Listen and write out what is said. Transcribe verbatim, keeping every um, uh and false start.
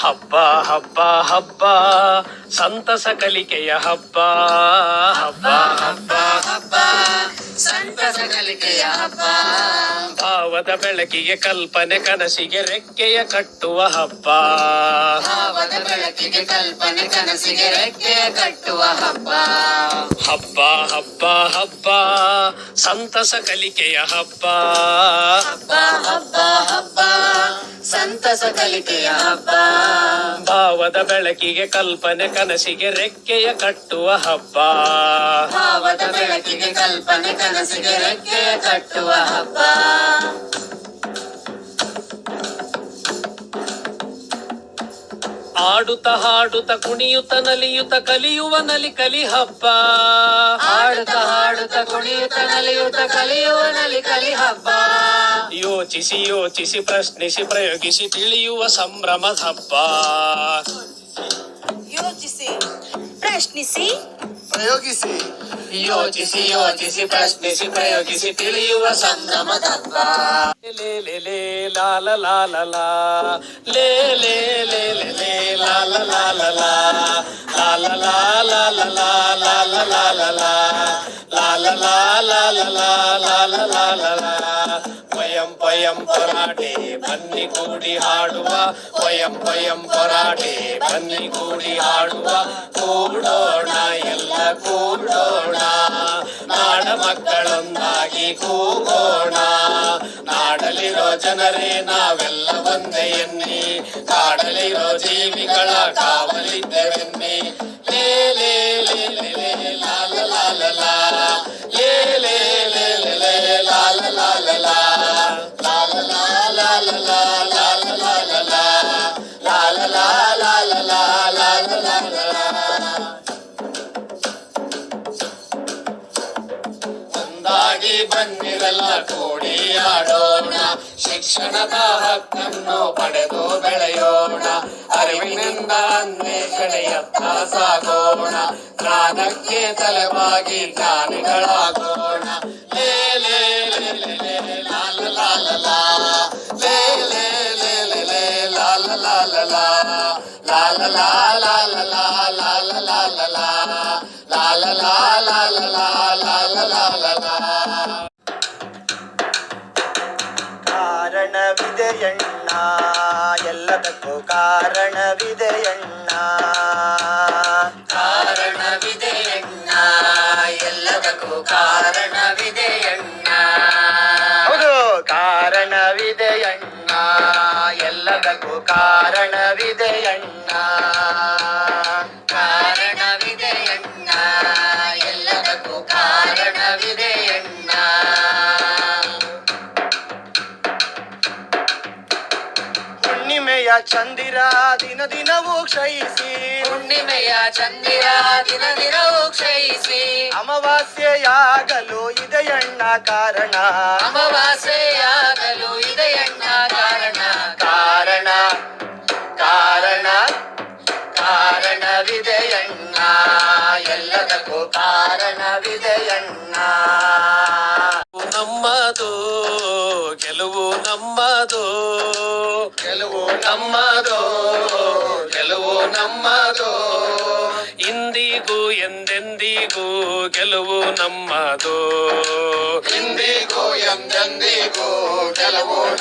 ಹಬ್ಬ ಹಬ್ಬ ಹಬ್ಬ ಸಂತಸ ಕಲಿಕೆಯ ಹಬ್ಬ. ಹಬ್ಬ ಹಬ್ಬ ಹಬ್ಬ ಸಂತಸ ಕಲಿಕೆಯ ಹಬ್ಬ. ಭಾವದ ಬೆಳಕಿಗೆ ಕಲ್ಪನೆ ಕನಸಿಗೆ ರೆಕ್ಕೆಯ ಕಟ್ಟುವ ಹಬ್ಬ. ಭಾವದ ಬೆಳಕಿಗೆ ಕಲ್ಪನೆ ಕನಸಿಗೆ ರೆಕ್ಕೆಯ ಕಟ್ಟುವ ಹಬ್ಬ. ಹಬ್ಬ ಹಬ್ಬ ಹಬ್ಬ ಸಂತಸ ಕಲಿಕೆಯ ಹಬ್ಬ. ಹಬ್ಬ ಹಬ್ಬ ಹಬ್ಬ ಸಂತಸ ಕಲಿಕೆಯ ಹಬ್ಬ. ಭಾವದ ಬೆಳಕಿಗೆ ಕಲ್ಪನೆ ಕನಸಿಗೆ ರೆಕ್ಕೆಯ ಕಟ್ಟುವ ಹಬ್ಬ. ಭಾವದ ಬೆಳಕಿಗೆ ಕಲ್ಪನೆ ಕನಸಿಗೆ ರೆಕ್ಕೆಯ ಕಟ್ಟುವ ಹಬ್ಬ. ಆಡುತ್ತ ಹಾಡುತ್ತ ಕುಣಿಯುತ್ತ ನಲಿಯುತ್ತ ಕಲಿಯುವ ನಲಿ ಕಲಿ ಹಬ್ಬ. ಆಡುತ್ತ ಹಾಡುತ್ತ ಕುಣಿಯುತ್ತ ನಲಿಯುತ್ತ ಕಲಿಯುವ ನಲಿ ಕಲಿ ಹಬ್ಬ. ಯೋಚಿಸಿ ಯೋಚಿಸಿ ಪ್ರಶ್ನಿಸಿ ಪ್ರಯೋಗಿಸಿ ತಿಳಿಯುವ ಸಂಭ್ರಮದ ಹಬ್ಬ. ಯೋಚಿಸಿ ಪ್ರಶ್ನಿಸಿ ಪ್ರಯೋಗಿಸಿ ಯೋಚಿಸಿ ಯೋಚಿಸಿ ಪ್ರಶ್ನಿಸಿ ಪ್ರಯೋಗಿಸಿ ತಿಳಿಯುವ ಸಂಭ್ರಮದ ಹಬ್ಬ. ಲೇ ಲೇ ಲೇ ಲಾಲ ಲಾಲ ಲಾ ಲೇ ಲೇ ಲೇ ಲೇ ಲೇ ಲಾಲ ಲಾಲ ಲಾ ಲಾಲ ಲಾಲ ಲಾ ಲಾಲ ಲಾಲ ಲಾ ಲಾಲ ಲಾಲ ಲಾ ಲಾಲ ಲಾಲ ಲಾ. ಪಯಂ ಪಯಂ ಪೊರಾಟೆ ಬನ್ನಿ ಕೂಡಿ ಹಾಡುವ. ಪಯಂ ಪಯಂ ಪೊರಾಟೆ ಬನ್ನಿ ಕೂಡಿ ಹಾಡುವ. ಕೂಡೋಣ ಎಲ್ಲ ಕೂಡೋಣ ನಾಡ ಮಕ್ಕಳೊಂದಾಗಿ ಕೂಗೋಣ. ನಾಡಲಿರೋ ಜನರೇ ನಾವೆಲ್ಲ ಒಂದೇ ಎನ್ನಿ ಕಾಡಲಿರೋ ಜೀವಿಗಳ ಕಾವಲಿದ್ದೆವೆನ್ನಿ. ಲೇ ಲೇ ಲೇ ಲೇ ಲೇ ಲಾಲ ಲಾಲ ಲಾ ಲೇ ಲೇ ಲೇ ಲೇ ಲೇ ಲಾಲ ಲಾಲ ಲಾ ಲಾಲ ಲಾಲ ಲಾ ಲಾಲ ಲಾಲ ಲಾ ಲಾಲ ಲಾಲ ಲಾ ಲಾಲ ಲಾಲ ಲಾ. ಒಂದಾಗಿ ಬನ್ನಿರೆಲ್ಲ ಕೂಡಿ ಆಡೋಣ. ಶಿಕ್ಷಣದ ಹಕ್ಕನ್ನು ಪಡೆದು ಬೆಳೆಯೋಣ. ಅರಿವಿನಿಂದ ಅನ್ವೇಷಣೆಯತ್ತ ಸಾಗೋಣ. ಜ್ಞಾನಕ್ಕೆ ತಲೆಬಾಗಿ ಜ್ಞಾನಿಗಳಾಗೋಣ. ಲೇ ಲೇ ಲೇ ಲೇ ಲೇ ಲಾಲ ಲಾಲ ಲಾ ಲೇ ಲೇ ಲೇ ಲೇ ಲೇ ಲಾಲ ಲಾಲ ಲಾ ಲಾಲ ಲಾಲ ಲಾ ಲಾಲ ಲಾಲ ಲಾ ಲಾಲ ಲಾಲ ಲಾ ಲಾಲ ಲಾಲ ಲಾ. ಕಾರಣವಿದೆಯಣ್ಣ ಎಲ್ಲದಕ್ಕೂ ಕಾರಣವಿದೆಯಣ್ಣ. ಕಾರಣವಿದೆಯಣ್ಣ ಎಲ್ಲದಕ್ಕೂ ಕಾರಣವಿದೆಯಣ್ಣ. ಹೌದು ಕಾರಣವಿದೆಯಣ್ಣ ಎಲ್ಲದಕ್ಕೂ ಕಾರಣವಿದೆಯಣ್ಣ. ಕಾರಣವಿದೆಯಣ್ಣ ಎಲ್ಲದಕ್ಕೂ ಕಾರಣವಿದೆಯಣ್ಣ. ಹುಣ್ಣಿಮೆಯ ಚಂದಿರ ದಿನ ದಿನವೂ ಕ್ಷಯಿಸಿ. ಹುಣ್ಣಿಮೆಯ ಚಂದಿರ ದಿನ ದಿನವೂ ಕ್ಷಯಿಸಿ. ಅಮಾವಾಸ್ಯೆಯಾಗಲು ಇದೆಯಣ್ಣ ಕಾರಣ. ಅಮಾವಾಸ್ಯೆಯಾಗಲು ಇದೆಯಣ್ಣ ಕಾರಣ. ಕಾರಣ ಕಾರಣ ಕಾರಣವಿದೆಯಣ್ಣ ಎಲ್ಲದಕ್ಕೂ ಕಾರಣವಿದೆಯಣ್ಣ. ನಮ್ಮದು ಗೆಲುವು ನಮ್ಮದು ಗೆಲುವು ನಮ್ಮದು ಗೆಲುವು ನಮ್ಮದು. ಇಂದಿಗೂ ಎಂದೆಂದಿಗೂ ಗೆಲುವು ನಮ್ಮದು. ಇಂದಿಗೂ ಎಂದೆಂದಿಗೂ ಗೆಲುವು